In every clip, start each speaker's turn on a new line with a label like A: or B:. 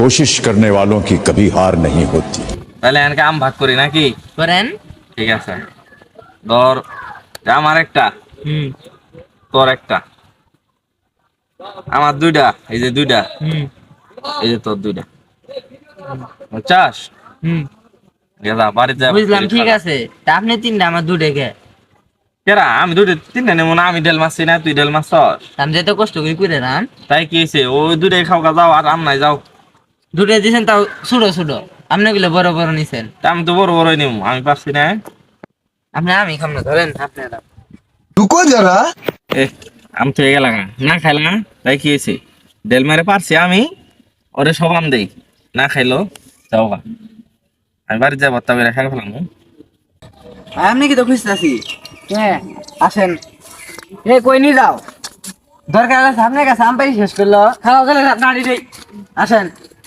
A: कोशिश करने वालों की कभी हार नहीं होती।
B: তাহলে এনকে আম ভাগ করি নাকি?
C: করেন।
B: ঠিক আছে, ধর আমার একটা,
C: হুম
B: তোর একটা, আমার দুইটা, এই যে দুইটা,
C: হুম
B: এই যে তোর দুইটা, বুঝছাস?
C: হুম
B: গেলা বাড়িতে যা
C: বুঝলাম, ঠিক আছে। তা আপনি তিনটা, আমার দুটো কে?
B: কেরা আমি দুইটা তিনটা নেবো না? আমি ডেল মারছি না, তুই ডেল মারছস।
C: আমি যেতে কষ্ট করে করে রান
B: তাই কি হয়েছে? ওই দুইটাই খাও গা, যাও আর আম নাই যাও।
C: দুটো দিয়েছেন, তাও ছোটো ছোটো। আপনি গুলো বড় বড় নিছেন।
B: তা আমি তো বড় বড়ই নেবো, আমি পারছি না।
C: আপনি আমি খাম না, ধরেন আপনারা।
D: रुको जरा।
B: এ আম তো এগে লাগা না খাইলা, তাই কি হয়েছে? ডেল মারে পারছি আমি, ওরে সব আম দেই, না খাইলো যাও গা। আমি বাড়িতে যাবো, তবে রেখা ফেলাম।
C: আপনি কি তো খুঁজতেছি? হ্যাঁ আসেন। এ কই নিয়ে যাও, দরকার আছে আপনার কাছে। আম পাই শেষ করলো, খাওয়া গেলে দাঁড়িয়ে দেই। আসেন।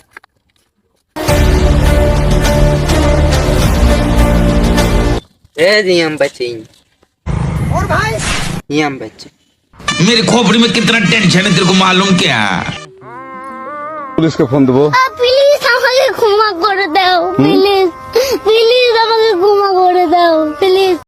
C: ए जी हम बच्चे और भाई ये हम बच्चे
E: मेरी खोपड़ी में कितना टेंशन है तेरे को मालूम क्या?
A: पुलिस को फोन देबो।
F: প্লিজ আমাকে ক্ষমা করে দাও, প্লিজ প্লিজ আমাকে ক্ষমা করে দাও, প্লিজ।